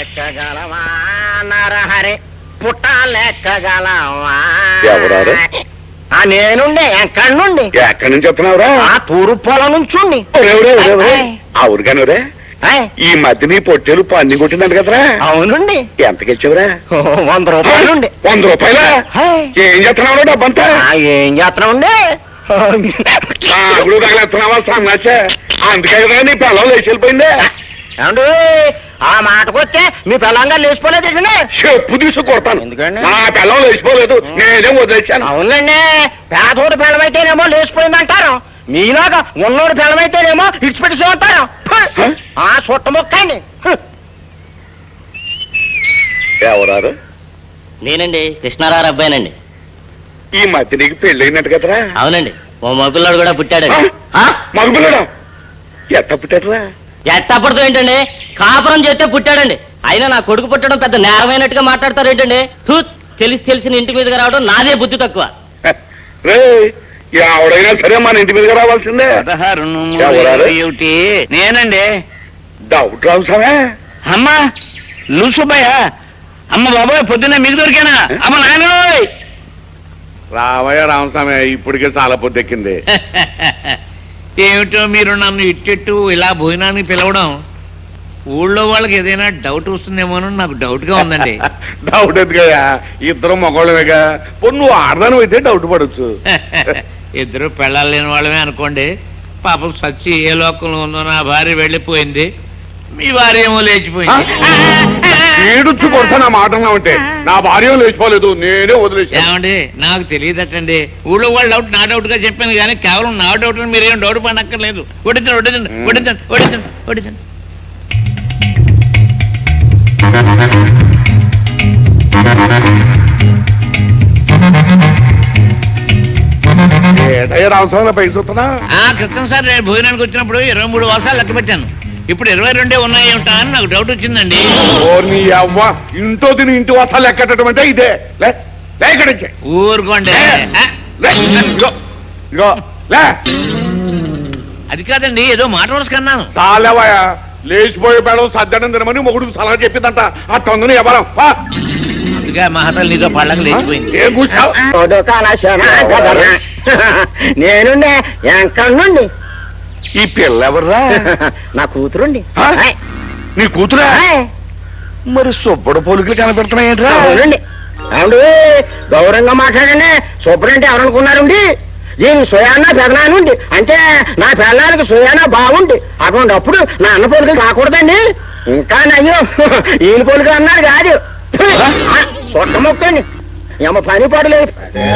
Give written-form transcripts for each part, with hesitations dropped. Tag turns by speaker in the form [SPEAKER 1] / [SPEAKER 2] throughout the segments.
[SPEAKER 1] లెక్కగలవా నరహరి పుట్టాలెక్కగలవా?
[SPEAKER 2] ఎవరారు?
[SPEAKER 1] నేనుండే ఎక్కడి నుండి?
[SPEAKER 2] ఎక్కడి నుంచి చెప్తున్నావురా?
[SPEAKER 1] ఆ తూరు పొలం నుంచి.
[SPEAKER 2] అవును కానురే, ఈ మధ్య నీ పొట్టేలు పన్ని కొట్టిందంట కదరా?
[SPEAKER 1] అవునండి.
[SPEAKER 2] ఎంతకి ఇచ్చావురా?
[SPEAKER 1] 100 రూపాయలుండి.
[SPEAKER 2] 100 రూపాయలా? ఏం చేస్తున్నావు డబ్బంతా?
[SPEAKER 1] ఏం చేస్తున్నామండి?
[SPEAKER 2] అప్పుడు తగలేస్తున్నావా సన్నాచ? అందుకే కదా నీ పిల్లలు లేచి వెళ్ళిపోయిందే.
[SPEAKER 1] ఏమండి ఆ మాటకొస్తే మీ పిల్లంగా లేచిపోలేదు.
[SPEAKER 2] చెప్పు తీసు కొడతాను.
[SPEAKER 1] ఎందుకండి?
[SPEAKER 2] నా పిల్లలు లేచిపోలేదు, నేనే వదిలేశాను.
[SPEAKER 1] అవునండి, పేదోడు పిల్లమైతేనేమో లేచిపోయిందంటారు, మీలాగా ఉన్నోడు పిల్లమైతేనేమో ఇచ్చిపెట్టేసి ఉంటారు. ఆ చుట్ట మొక్కండి.
[SPEAKER 2] ఎవరారు?
[SPEAKER 3] నేనండి, కృష్ణారావు అబ్బాయినండి.
[SPEAKER 2] ఈ మధ్య నీకు పెళ్ళైనట్టు కదరా?
[SPEAKER 3] అవునండి, ఓ మగపిల్లాడు కూడా పుట్టాడండి.
[SPEAKER 2] మగపిల్లడా? ఎట్ట పుట్టాడురా?
[SPEAKER 3] ఎట్టప్పటితో ఏంటండి, కాపురం చేస్తే పుట్టాడండి. అయినా నా కొడుకు పుట్టడం పెద్ద నేరమైనట్టుగా మాట్లాడతారు ఏంటండి? తెలిసిన ఇంటి మీదకి రావడం నాదే బుద్ధి తక్కువ.
[SPEAKER 2] రే, ఎవడైనా సరే మన ఇంటి మీదకి రావాల్సిందే.
[SPEAKER 4] 16 నేనండి.
[SPEAKER 2] డౌట్ రావుసామే.
[SPEAKER 4] అమ్మా లూసుబ్బయ్య, అమ్మ బాబాయ్ పొద్దున్న మీకు దొరికానా? అమ్మ నాయన
[SPEAKER 2] రావయ్య రామస్వామి, ఇప్పటికే చాలా పొద్దెక్కింది.
[SPEAKER 4] ఏమిటో మీరు నన్ను ఇట్టెట్టు ఇలా భోజనానికి పిలవడం, ఊళ్ళో వాళ్ళకి ఏదైనా డౌట్ వస్తుందేమో నాకు డౌట్ గా ఉందండి.
[SPEAKER 2] డౌట్ ఎందుకయ్యా, ఇద్దరు మగవాళ్ళమేగా. నువ్వు ఆడదాను అయితే డౌట్ పడవచ్చు.
[SPEAKER 4] ఇద్దరు పెళ్ళాలు లేని వాళ్ళమే అనుకోండి. పాపం సచ్చి ఏ లోకంలో ఉందో నా భార్య వెళ్ళిపోయింది, మీ భార్య ఏమో లేచిపోయింది.
[SPEAKER 2] ఏడుచ్చు కొడతాను ఆ మాట అంటే. నా భార్య లేచిపోలేదు, నేనే వదిలేసి.
[SPEAKER 4] ఏమండి నాకు తెలియదటండి, ఊళ్ళో వాళ్ళ డౌట్ నా డౌట్ గా చెప్పాను కానీ కేవలం నా డౌట్ మీరేం డౌట్ పడక్కర్లేదు. వడ్డించండి వడ్డించండి వడ్డించండి వడ్డించండి వడ్డించండి.
[SPEAKER 2] రామస్వామి పైకి చూస్తున్నా.
[SPEAKER 4] క్రితం సార్ నేను భోజనానికి వచ్చినప్పుడు 23 వాసాలు లెక్క పెట్టాను. ఇప్పుడు 22 ఉన్నాయి ఏమిటా అని నాకు డౌట్ వచ్చిందండి.
[SPEAKER 2] ఇంట్లో తిని ఇంటి వసాలు ఎక్కటం అంటే ఇదే.
[SPEAKER 4] ఊరుకోండి. అది కాదండి, ఏదో మాట వరుస కన్నాను.
[SPEAKER 2] చాలేవాయా, లేచిపోయే పేడం సద్దనం తినమని మొగుడు సలహా చెప్పిందంట. ఆ తొందరని ఎవరం
[SPEAKER 4] అందుకే మహతలు నీతో పళ్ళకి లేచిపోయింది.
[SPEAKER 2] ఏం కూర్చావు?
[SPEAKER 1] నేనుండే ఎక్కడి నుండి?
[SPEAKER 2] ఈ పిల్ల ఎవర్రా?
[SPEAKER 1] నా కూతురుండి.
[SPEAKER 2] నీ కూతురా? మరి సుబ్బడు పోలికలు కనపెడుతున్నాయేంట్రా?
[SPEAKER 1] అవునండి. అవును, గౌరవంగా మాట్లాడండి. సుబ్బడు అంటే ఎవరనుకున్నారండి? దీని సుయానా పెదనానుండి, అంటే నా పిల్లలకి సుయానా బాగుండి. అటువంటిప్పుడు నా అన్న పోలికలు రాకూడదండి. ఇంకా నయ్యో ఈయన పోలికలు అన్నాడు కాదు. సొట్ట మొక్కండి, ఏమో పని పడలేదు.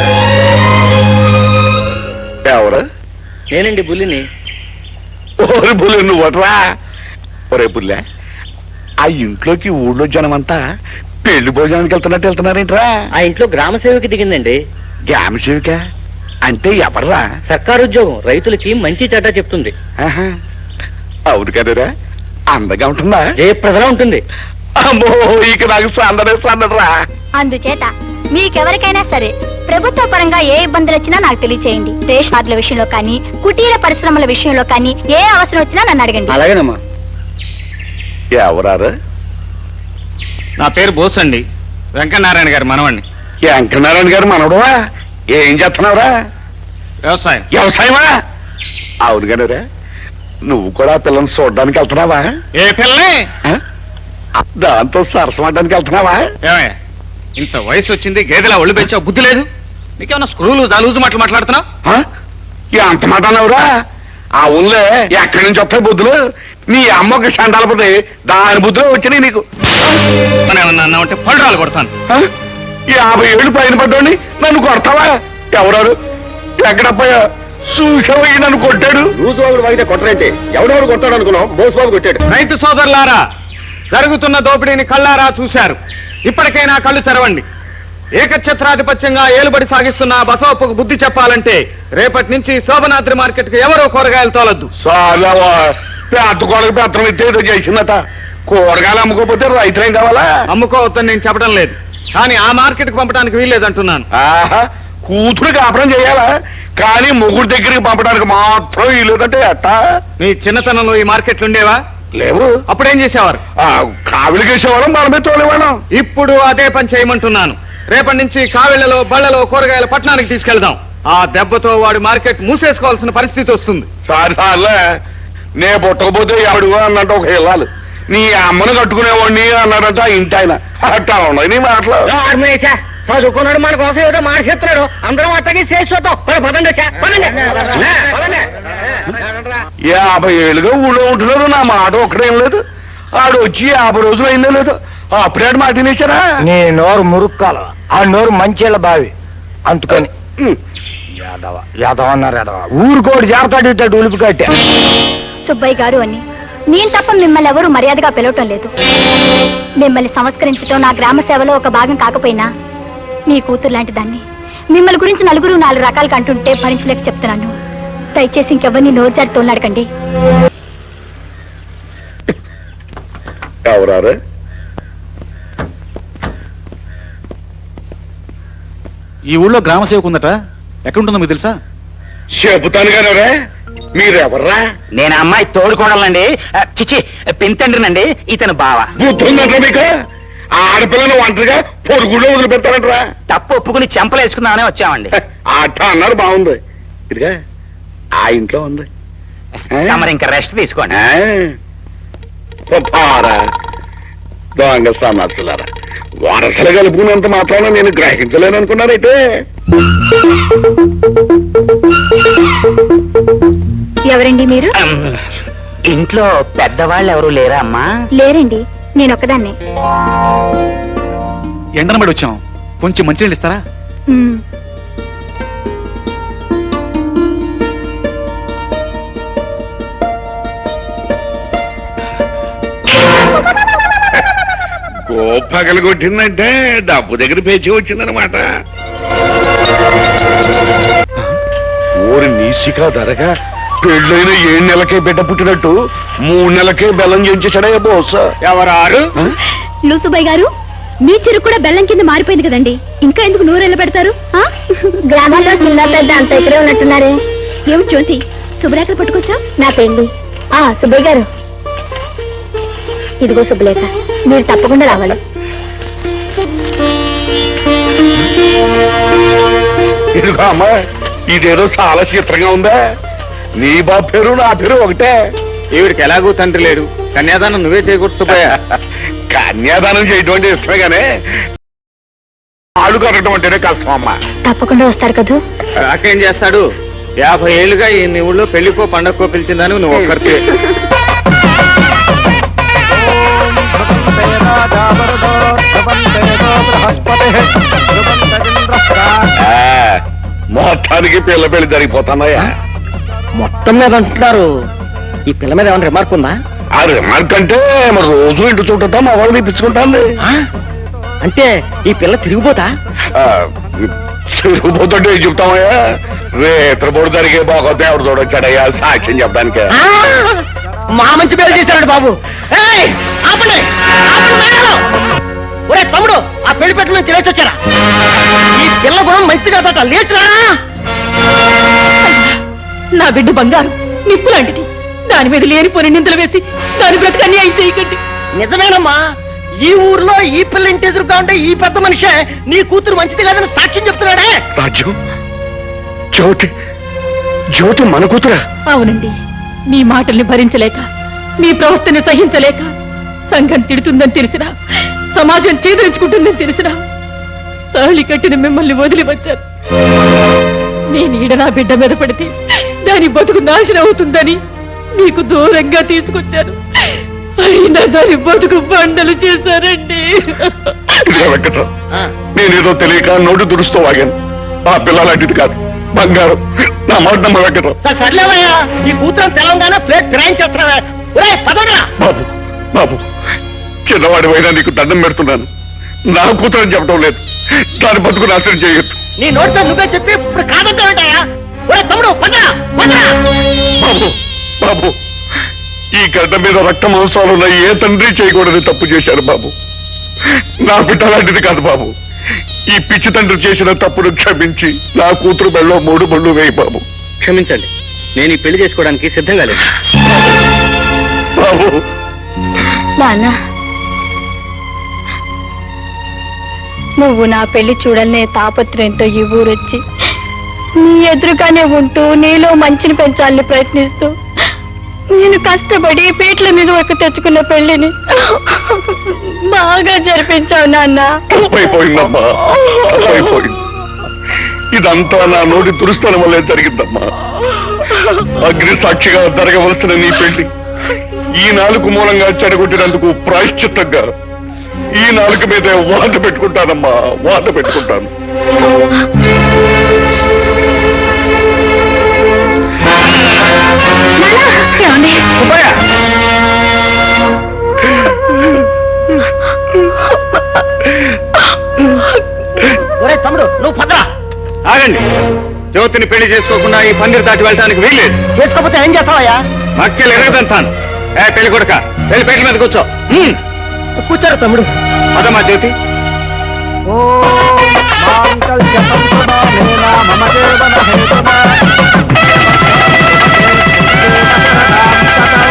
[SPEAKER 2] ఎవరు?
[SPEAKER 3] నేనండి, బుల్లిని.
[SPEAKER 2] ఓరి బుల్లి నువ్వట్రా? ఒరే బుల్లె, ఆ ఇంట్లోకి ఊళ్ళో జనమంతా పెళ్లి భోజనానికి వెళ్తున్నారేంట్రా?
[SPEAKER 3] ఆ ఇంట్లో గ్రామ సేవకి దిగిందండి.
[SPEAKER 2] గ్రామ సేవిక అంటే ఎవర్రా?
[SPEAKER 3] సర్కారు ఉద్యోగం, రైతులకి మంచి చెడ్డ చెప్తుంది.
[SPEAKER 2] అవును కదరా, అందగా ఉంటుందా?
[SPEAKER 3] జయప్రదలా ఉంటుంది.
[SPEAKER 2] అమ్మో, ఇక నాకు సందరా.
[SPEAKER 5] అందుచేత మీకెవరికైనా సరే ప్రభుత్వ పరంగా ఏ ఇబ్బందులు వచ్చినా నాకు తెలియచేయండి. రేషన్ కార్డుల విషయంలో కానీ, కుటీర పరిశ్రమల విషయంలో కానీ ఏ అవసరం వచ్చినా నన్ను అడగండి.
[SPEAKER 3] అలాగేనమ్మా.
[SPEAKER 2] ఎవరారు?
[SPEAKER 6] నా పేరు బోస్ అండి, వెంకటనారాయణ గారు మనవండి.
[SPEAKER 2] వెంకటనారాయణ గారు మనవడవా? ఏం చేస్తున్నావురా?
[SPEAKER 6] వ్యవసాయం.
[SPEAKER 2] వ్యవసాయమా? అవును కదరా, నువ్వు కూడా పిల్లల్ని చూడడానికి వెళ్తున్నావా?
[SPEAKER 6] ఏ పిల్లని?
[SPEAKER 2] దాంతో సరసమడ్డానికి వెళ్తున్నావా?
[SPEAKER 6] ఏమయ్యా, ఇంత వయసు వచ్చింది, గేదెలా ఒళ్ళు పెంచావు, బుద్ధి లేదు నీకేమన్నా? స్క్రూలు దాలూజు మాట్లాడుతున్నావు?
[SPEAKER 2] అంత మాట అన్నావురా? ఆ ఊళ్ళో ఎక్కడి నుంచి వస్తాయి బుద్ధులు? నీ అమ్మకి సండాలపోతే దాని బుద్ధులు వచ్చినాయి నీకు.
[SPEAKER 6] మనం ఏమన్నా అన్నామంటే పళ్ళరాలు కొడతాను.
[SPEAKER 2] 50 ఏళ్ళు పైన పడ్డోని నన్ను కొడతావా? ఎవరారు? ఎక్కడపోయా చూసావయ్యి నన్ను కొట్టాడు.
[SPEAKER 1] రోజుబాబు అయితే కొట్టరంటే ఎవడెవడు కొట్టాడు అనుకున్నాం, బోసుబాబు కొట్టాడు.
[SPEAKER 6] రైతు సోదరులారా, జరుగుతున్న దోపిడీని కళ్ళారా చూశారు. ఇప్పటికైనా కళ్ళు తెరవండి. ఏకఛత్రాధిపత్యంగా ఏలుబడి సాగిస్తున్న బసవప్పకు బుద్ధి చెప్పాలంటే రేపటి నుంచి శోభనాద్రి మార్కెట్ కు ఎవరో కూరగాయలు తోలొద్దు.
[SPEAKER 2] చాలా పెద్ద కొడకు పెత్తనం ఎత్తే ఏదో చేసిందట. కూరగాయలు అమ్ముకోపోతే రైతులేం కావాలా?
[SPEAKER 6] అమ్ముకోవద్దని నేను చెప్పడం లేదు, కానీ ఆ మార్కెట్ కు పంపడానికి వీల్లేదంటున్నాను.
[SPEAKER 2] కూతురు కాపురం చేయాలా, కానీ మొగుడు దగ్గరికి పంపడానికి మాత్రం వీలేదంటే ఎట్టా?
[SPEAKER 6] మీ చిన్నతనంలో ఈ మార్కెట్లు ఉండేవా?
[SPEAKER 2] లేవు.
[SPEAKER 6] అప్పుడేం చేసేవారు?
[SPEAKER 2] కావిలికేసేవాళ్ళం, మనమే తోలేవాళ్ళం.
[SPEAKER 6] ఇప్పుడు అదే పని చేయమంటున్నాను. రేపటి నుంచి కావిళ్లలో బళ్ళలో కూరగాయల పట్టణానికి తీసుకెళ్దాం. ఆ దెబ్బతో వాడి మార్కెట్ మూసేసుకోవాల్సిన పరిస్థితి వస్తుంది.
[SPEAKER 2] సార్లే నే పుట్టకపోతే ఎవడు అన్నట్టు ఒక ఇల్లాలు, నీ అమ్మను కట్టుకునేవాడిని అన్నాడంట ఆ ఇంటి ఆయన. అట్టా ఉన్నాయి నీ మాటలు.
[SPEAKER 1] చదువుకున్నాడు మన కోసం ఏదో మాట్లాడుతున్నాడు. అందరం అట్టకి చేసి చూద్దాం. పదండి వచ్చా, పదండి.
[SPEAKER 2] 50 ఏళ్ళుగా ఊళ్ళో ఉంటున్నారు, నా మాట ఒక్కడేం లేదు. ఆడు వచ్చి 50 రోజులు అయిందో లేదు, అప్పుడే మాట తినేశారా?
[SPEAKER 1] నీ నోరు మురుక్కాల, ఆ నోరు మంచిళ్ళ బావి అందుకని యాదవ అన్నారు. యాదవ ఊరుకోడు జాగ్రత్త ఇట్టాడు ఉలిపి కట్టే.
[SPEAKER 5] సుబ్బయ్య గారు అని నేను తప్ప మిమ్మల్ని ఎవరూ మర్యాదగా పిలవటం లేదు. మిమ్మల్ని సంస్కరించటం నా గ్రామ సేవలో ఒక భాగం కాకపోయినా మీ కూతురు లాంటి దాన్ని మిమ్మల్ని గురించి నలుగురు 4 రకాలుగా అంటుంటే భరించలేక చెప్తున్నాను. దయచేసి ఇంకెవరిని నోరు జారి తోలాడకండి.
[SPEAKER 2] ఎవరారు?
[SPEAKER 7] ఈ ఊళ్ళో గ్రామ సేవకు ఉందట, ఎక్కడుంటుందో మీకు తెలుసా?
[SPEAKER 2] చెబుతాను కానీ మీరెవర్రా?
[SPEAKER 1] నేను అమ్మాయి తోడుకోడాలండి, చిచి పింతండ్రినండి. ఇతను బావ.
[SPEAKER 2] బుద్ధుందంటారా మీకు? ఆడపిల్లను ఒంటరిగా పొరుగులో వదిలిపెట్టారంటరా?
[SPEAKER 1] తప్పు ఒప్పుకుని చెంపలేసుకుందామనే వచ్చామండి.
[SPEAKER 2] అట్ట అన్నారు, బాగుంది. ఇదిగా ఆ ఇంట్లో ఉంది.
[SPEAKER 1] తమరు ఇంకా రెస్ట్ తీసుకోండి.
[SPEAKER 2] దొంగ సన్నాసులారా, వరసలు కలుపుకున్నంత మాత్రాన నేను గ్రహించలేను అనుకున్నారైతే.
[SPEAKER 5] ఎవరండి మీరు?
[SPEAKER 1] ఇంట్లో పెద్దవాళ్ళు ఎవరు లేరా అమ్మా?
[SPEAKER 5] లేరండి, నేను ఒక్కదాన్నే.
[SPEAKER 7] ఎండనబడి వచ్చాం, కొంచెం మంచినీళ్ళు ఇస్తారా?
[SPEAKER 5] ఉమ్.
[SPEAKER 2] గోపగలు కొట్టిందంటే డబ్బు దగ్గర పేచి వచ్చిందనమాట. ఊరి నీసిగా ధరగా పెళ్ళైన 7 నెలలకే బిడ్డ పుట్టినట్టు 3 నెలలకే బెల్లం చేయించాడయ్యా బోస్.
[SPEAKER 6] ఎవరారు?
[SPEAKER 5] లూసుబాయ్ గారు, మీ చెరుకు కూడా బెల్లం కింద మారిపోయింది కదండి, ఇంకా ఎందుకు నూరెళ్ళ పెడతారు? గ్రామాల్లో చిన్న పెద్ద అంత ఇక్కడే ఉన్నట్టున్నారే. ఏమిటి జ్యోతి, శుభ్రేఖలు పట్టుకొచ్చా? నా పెళ్లి. సుబ్బయ్య గారు, ఇదిగో శుభలేఖ, మీరు తప్పకుండా రావాలి.
[SPEAKER 2] ఇదిగో అమ్మా, ఇదేదో చాలా చిత్రంగా ఉందా? నీ బాబు పేరు నా పేరు ఒకటే.
[SPEAKER 6] ఈవిడికి ఎలాగూ తండ్రి లేడు, కన్యాదానం నువ్వే చేయకూడదు సుబ్బయ్య.
[SPEAKER 2] కన్యాదానం చేయటం అంటే ఇష్టమే గానే ఆళ్ళు కట్టడం అంటేనే కష్టం అమ్మా.
[SPEAKER 5] తప్పకుండా వస్తారు కదూ?
[SPEAKER 6] అక్కేం చేస్తాడు? 50 ఏళ్ళుగా ఈ నీ ఊళ్ళో పెళ్లికో పండగకో పిలిచిందని నువ్వు ఒక్కరితే.
[SPEAKER 2] మొత్తానికి పిల్ల పెళ్లి జరిగిపోతానయ్యా.
[SPEAKER 1] మొత్తం మీద అంటున్నారు. ఈ పిల్ల మీద ఏమైనా రిమార్క్ ఉందా?
[SPEAKER 2] ఆ రిమార్క్ అంటే మరి రోజు ఇంటి చుట్టూ మా వాళ్ళు తెప్పించుకుంటాను.
[SPEAKER 1] అంటే ఈ పిల్ల తిరిగిపోతా?
[SPEAKER 2] తిరిగిపోతుంటే ఏం చెప్తామయ్యా? రేత్రపోడు జరిగే బాగోతే ఎవరు చూడొచ్చాడయ్యా సాక్ష్యం చెప్పడానికి.
[SPEAKER 1] మా మంచి పేరు చేశాడు బాబు. ఒరే తమ్ముడు, ఆ పెళ్లి పెట్టు నుంచి లేచి వచ్చారా? ఈ పిల్ల గుణం మంచిది కాదట, లేచురా.
[SPEAKER 8] నా బిడ్డ బంగారు నిప్పు లాంటిది, దాని మీద లేనిపోని నిందలు వేసి దాని బ్రతుకు అన్యాయం చేయకండి.
[SPEAKER 1] నిజమేనమ్మా, ఈ ఊర్లో ఈ పిల్ల ఇంటి ఎదురుగా ఉంటే ఈ పెద్ద మనిషే నీ కూతురు మంచిది కాదని సాక్ష్యం చెప్తున్నాడే.
[SPEAKER 2] రాజ్యం, జ్యోతి జ్యోతి మన కూతురా?
[SPEAKER 8] అవునండి, మీ మాటల్ని భరించలేక, మీ ప్రవర్తన సహించలేక, సంఘం తిడుతుందని తెలిసినా, సమాజం చేదరించుకుంటుందని తెలిసినా తాళి కట్టిన మిమ్మల్ని వదిలి వచ్చాను. నేను ఈడ నా బిడ్డ మీద పడితే దాని బతుకు నాశనం అవుతుందని మీకు దూరంగా తీసుకొచ్చాను. అయినా దాని బతుకు బండలు చేశారండి.
[SPEAKER 2] నేనేదో తెలియక నోటు దురుస్తూ వాగాను. ఆ పిల్ల లాంటిది కాదు, బంగారం. నా మాట నమ్మ వెంకటరావు.
[SPEAKER 1] సర్లేవయ్యా, ఈ కూతురు తెలంగాణ ప్లేట్ గ్రహించేస్తున్నావా?
[SPEAKER 2] బాబు బాబు, చిన్నవాడి అయినా నీకు దండం పెడుతున్నాను. నా కూతురని చెప్పడం లేదు, దాని బతుకు నాశనం చేయొద్దు.
[SPEAKER 1] నీ నోటితో నువ్వే చెప్పి ఇప్పుడు కాదంటావేంటయ్యా? తమ్ముడు
[SPEAKER 2] బాబు బాబు, ఈ గడ్డ మీద రక్త మాంసాలున్న ఏ తండ్రి చేయకూడని తప్పు చేశారు బాబు. నా బిడ్డ లాంటిది కాదు బాబు. ఈ పిచ్చి తండ్రి చేసిన తప్పును క్షమించి నా కూతురు బెళ్ళలో 3 బళ్ళు వేయి బాబు.
[SPEAKER 6] క్షమించండి, నేను ఈ పెళ్లి చేసుకోవడానికి సిద్ధంగా లేదు.
[SPEAKER 2] బాబు
[SPEAKER 5] నాన్న నువ్వు నా పెళ్లి చూడలనే తాపత్రయంతో ఈ ఊరొచ్చి నీ ఎదురుగానే ఉంటూ నీలో మంచిని పెంచాలని ప్రయత్నిస్తూ నేను కష్టపడి పీటల మీద ఒక తెచ్చుకున్న పెళ్లిని బాగా జరిపించావు నాన్న.
[SPEAKER 2] తప్పైపోయిందమ్మా, తప్పైపోయింది. ఇదంతా నా నోటి దురుస్తనం వల్లే జరిగిందమ్మా. అగ్ని సాక్షిగా జరగవలసిన నీ పెళ్లి ఈ నాలుగు మూలంగా చెడగొట్టినందుకు ప్రాయశ్చిత్తంగా ఈ నాలుగు మీద వాత పెట్టుకుంటానమ్మా, వాత పెట్టుకుంటాను.
[SPEAKER 3] ఒరే తమ్ముడు నువ్వు పదరా.
[SPEAKER 6] ఆగండి. జ్యోతిని పెళ్లి చేసుకోకుండా ఈ పందిరి దాటి వెళ్ళడానికి వీల్లేదు.
[SPEAKER 3] చేసుకోకపోతే ఏం చేస్తావయ్యా?
[SPEAKER 6] మక్కెలు ఎరగదంతాను. పెళ్లి కొడుక వెళ్ళి పేట్ల మీద కూర్చో.
[SPEAKER 3] కూర్చోరు తమ్ముడు.
[SPEAKER 6] పదమ్మా జ్యోతి.
[SPEAKER 1] మమ